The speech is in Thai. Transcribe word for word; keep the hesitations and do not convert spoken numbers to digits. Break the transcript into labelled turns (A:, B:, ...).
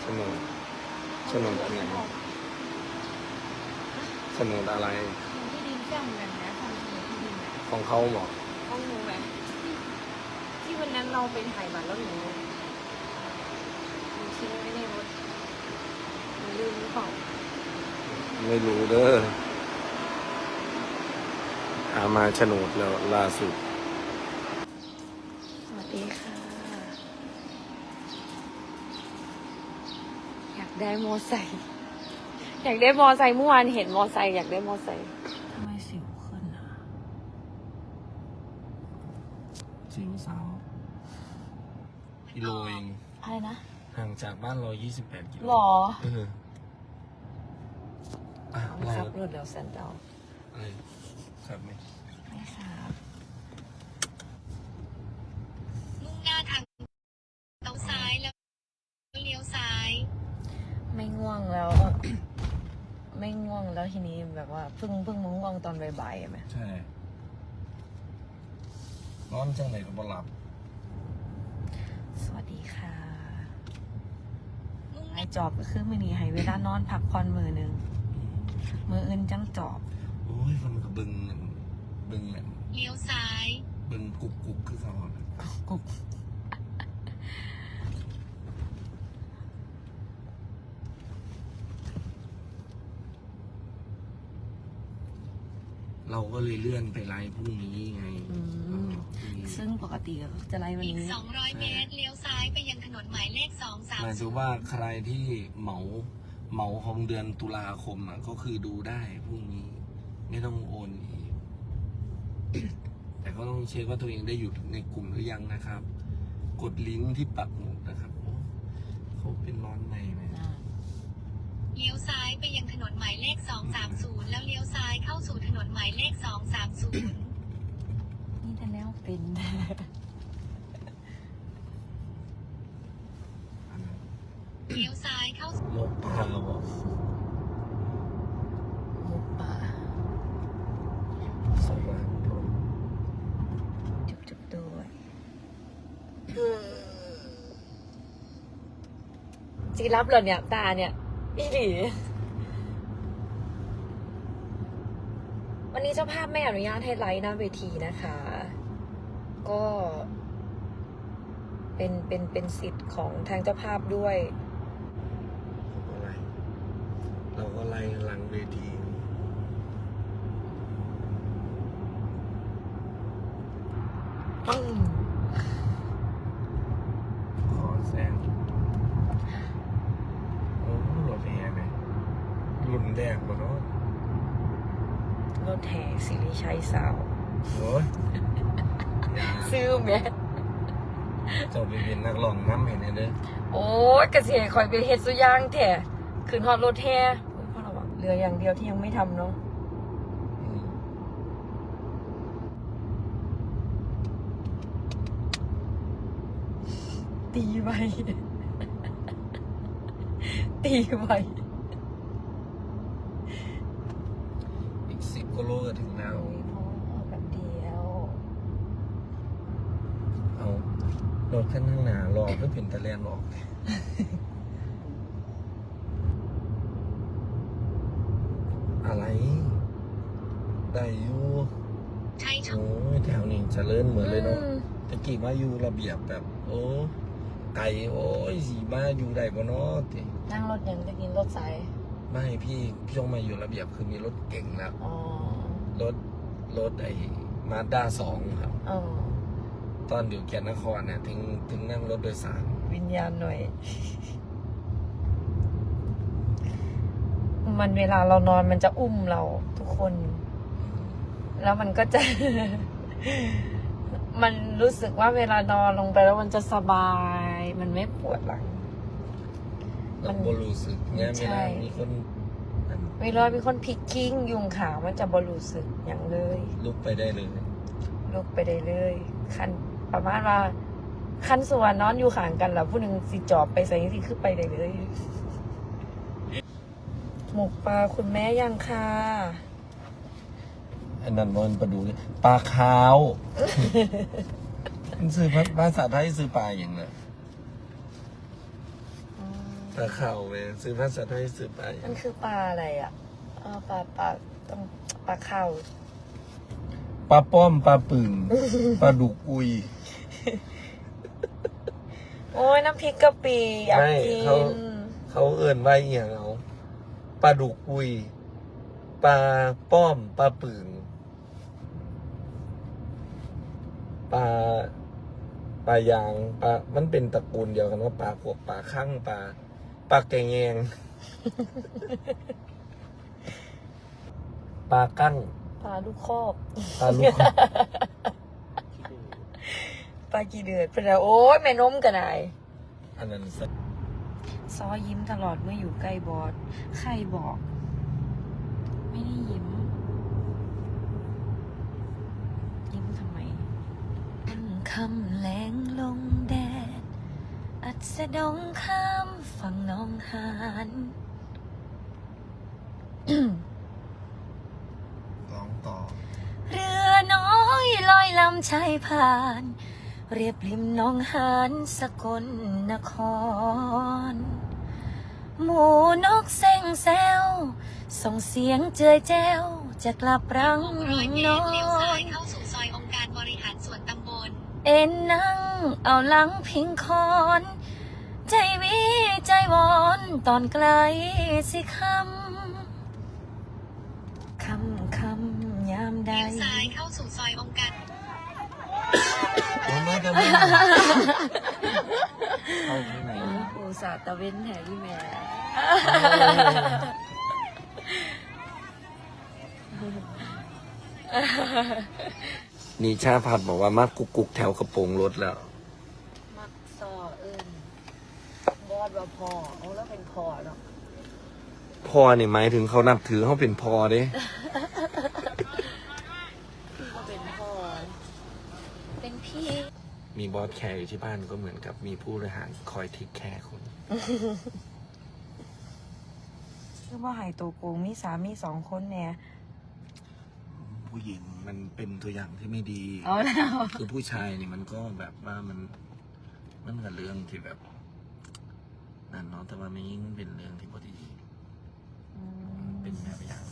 A: นดโฉนดอะไรโฉนดอะไร
B: ที่ดินเจ้าเหมือนกันนะทำโฉนดที่ดินอะ
A: ของเขาบอก
B: ของหนูไหมที่ที่วันนั้นเราไปถ่ายบัตรแล้วหนูหนูทิ้งไว้ในรถหนูลืมหรือเปล่า
A: ไม่รู้เด้อหามาโฉนดแล้วล่าสุด
B: สวัสดีค่ะอยากได้มอไซค์อยากได้มอไซค์เมื่อวานเห็นมอไซค์อยากได้มอไซค์ทำไมสิวขึ้นอ่ะ
A: สิวสาวกิโลเอง
B: อะไรนะ
A: ห่างจากบ้านเรายี่สิบแปดกิโล
B: หรอ
A: เอออ่ะเรา
B: ขับรถแล้วแซนเดา
A: อะไรครับไหม
B: ไม่ครับ
C: มุ่งหน้าทางเลี้ยวซ้ายแล้วเลี้ยวซ้าย
B: ไม่ง่วงแล้ว ไม่ง่วงแล้วทีนี้แบบว่าเพิ่งเพิ่งมาง่วงตอนบ่ายๆไหม
A: ใช่นอนจังไหนก็บ่หลับ
B: สวัสดีค่ะไอจอบก็คือมือนี้ให้เวลานอนพักผ่อนมือหนึ่งมืออื่นจังจอบ
A: โอ้ยมันก็บึงบึงเนี่ย
C: เลี้ยวซ้าย
A: บึงกุกกุกคือเขา
B: กุก
A: เราก็เลยเลื่อนไปไลฟ์พรุ่งนี้ไง
B: ซึ่งปกติก็จะไลฟ์วันนี้
C: อีกสองร้อยเมตรเลี้ยวซ้ายไปยังถนนหมายเลขสองสาม
A: หมายถึงว่าใครที่เหมาเหมาของเดือนตุลาคมอ่ะก็คือดูได้พรุ่งนี้ไม่ต้องโอนอีกแต่ก็ต้องเช็คว่าตัวเองได้อยู่ในกลุ่มหรือยังนะครับ กดลิงก์ที่ปักหมุดนะครับเขาเป็นร้อนในไหม
C: เลี้ยวซ้ายไปยังถนนหมายเลขสองสามศูนย์แล้วเลี้ยวซ้ายเข้าสู่ถนนหมายเลขสองสามศูนย์
B: นี่แต่แล้วเป็น
C: เลี้ยวซ้ายเข้า
A: โมกปลาบอก
B: โมกปลา
A: สว่างพรหม
B: จุบจุบด้วยจีรับเหรอเนี่ยตาเนี่ยอีหลีวันนี้เจ้าภาพไม่อนุญาตให้ไลฟ์หน้าเวทีนะคะ ก็เป็นเป็นเป็นสิทธิ์ของทางเจ้าภาพด้วย
A: อะไรเราก็ไล่หลังเวที
B: อืม
A: ขอแซงโอ้รถแห่ไหมรุ่นแรกบ่เนาะ
B: รถแห่สิริชัยสาว
A: โอ้ย
B: ซื้อไหม
A: เจ้าไปเป็นนักร้องน้ำเห็นไหมเด้อ
B: โอ้ยกระเสียคอยไปเฮ็ดสุย่างแท้ขึ้นฮอดรถแห่พ่อระวังเรืออย่างเดียวที่ยังไม่ทำเนาะตีไวตีไว
A: อีกสิบกิโลก็ถึงแล้ว
B: พ่อแบบเดียว
A: เอารถขั้นข้างหน้ารอเพื่อเป็นตะแลนออกอะไรได้อยู่
C: ใช่
A: โอ้ยแถวนี้เจริญเหมือนเลยเนาะตะกี้มาอยู่ระเบียบแบบโอ้ไก่โอ้ยสีมาอยู่ได้บ่เนาะติ
B: นั่งรถยังจะกินรถสาย
A: ไม่พี่พี่ต้องมาอยู่ระเบียบคือมีรถเก่งแล้วรถรถไอ้มาด้าสองครับตอนอยู่แก่นนครเนี่ยถึงถึงนั่งรถโดยสาร
B: วิญญาณหน่อยมันเวลาเรานอนมันจะอุ้มเราทุกคนแล้วมันก็จะมันรู้สึกว่าเวลานอนลงไปแล้วมันจะสบายมันไม่ปวดหลัง
A: มันบรู้สึกเนี่ยเวลามีคน
B: เวลามีคนพลิกกิ้งยุงขามันจะบรู้สึกอย่างเลย
A: ลุกไปได้เลย
B: ลุกไปได้เลยคันประมาณว่าคันส่วนนอนอยู่ข้างกันแล้วผู้หนึ่งสิจอบไปใส่ที่คือไปได้เลยหมกปลาคุณแม่ยังค่ะ
A: อันนั้นมันปลาดูปลาขาวมันซื้อภาษาไทยซื้อปลาอย่างไรปลาเข่าไปซื้อภาษาไทยซื้อไป
B: มันคือปลาอะไรอ่ะอ๋อปลาปลาต้องปลาเข่า
A: ปลาป้อมปลาปึ่ง ปลาดุกอุย
B: โอ้ยน้ำพริกกะปิอยาก
A: ไม่
B: กิ
A: เขา
B: น
A: เขาเอิ่นว่าอหย่างเอาปลาดุกอุยปลาป้อมปลาปึ่งปลาปลายางปลามันเป็นตระกูลเดียวกันว่าปลาพวกปลาข้างปลาปลาแกงแงง ปลากั้ง
B: ปลาลูกคอก
A: ปลาลูก
B: ปลากี่เดือดเป็นไรโอ้ยแม่นมกันไหน
A: อันนั้นสัก
B: ซอยิ้มตลอดเมื่ออยู่ใกล้บอสใครบอก ไม่ได้ยิ้ม ยิ้มทำไมคำแรงลงแดด อัดสะดงข้ามฝั่งหน้องหาน
A: ร้องต่อ
B: เรือน้อยลอยลำชายผ่าน เรียบริมหน้องหานสกลนคร หมูนกเซ็งแซวส่งเสียงเจยแจ้วจะกลับรัง
C: หกร้อยเม
B: นอ
C: ตรเลี้ยวซ้าย
B: น
C: เข้าสู่ซอยองค์การบริหารส่วนตำบล
B: เอ็นนั่งเอาหลังพิงคอน ใจวิใจวอนตอนไกลสิคำคำคำยามใด
C: เลี้ยวซ้ายเข้าสู่ซอยองค์การ
A: ผมไม่จะไม่เข้าข้างใน
B: อุตส่าห์ตะเว้นแห่พี่แม่
A: นี่ชาผัดบอกว่ามากุกกุกแถวกระโปรงรถแล้ว
B: มักซอเอิญบอดว่าพอเอาแล้วเป็นพอเนาะ
A: พอนี่หมายถึงเขานับถือเขาเป็นพอเด้
B: พี่ก็เป็นพอเป็นพี่
A: มีบอสแคร์อยู่ที่บ้านก็เหมือนกับมีผู้บริหารคอยเทคแคร์คน
B: คือว่าหายตัวโกงมีสามีสองคนเนี่ย
A: ผู้หญิงมันเป็นตัวอย่างที่ไม่ดี
B: เอาแล้ว
A: คือผู้ชายนี่มันก็แบบว่ามันมันกับเรื่องที่แบบนั่นเนาะแต่ว่าไม่ยิ่งเป็นเรื่องที่พอดีเป็นแบบอย่าง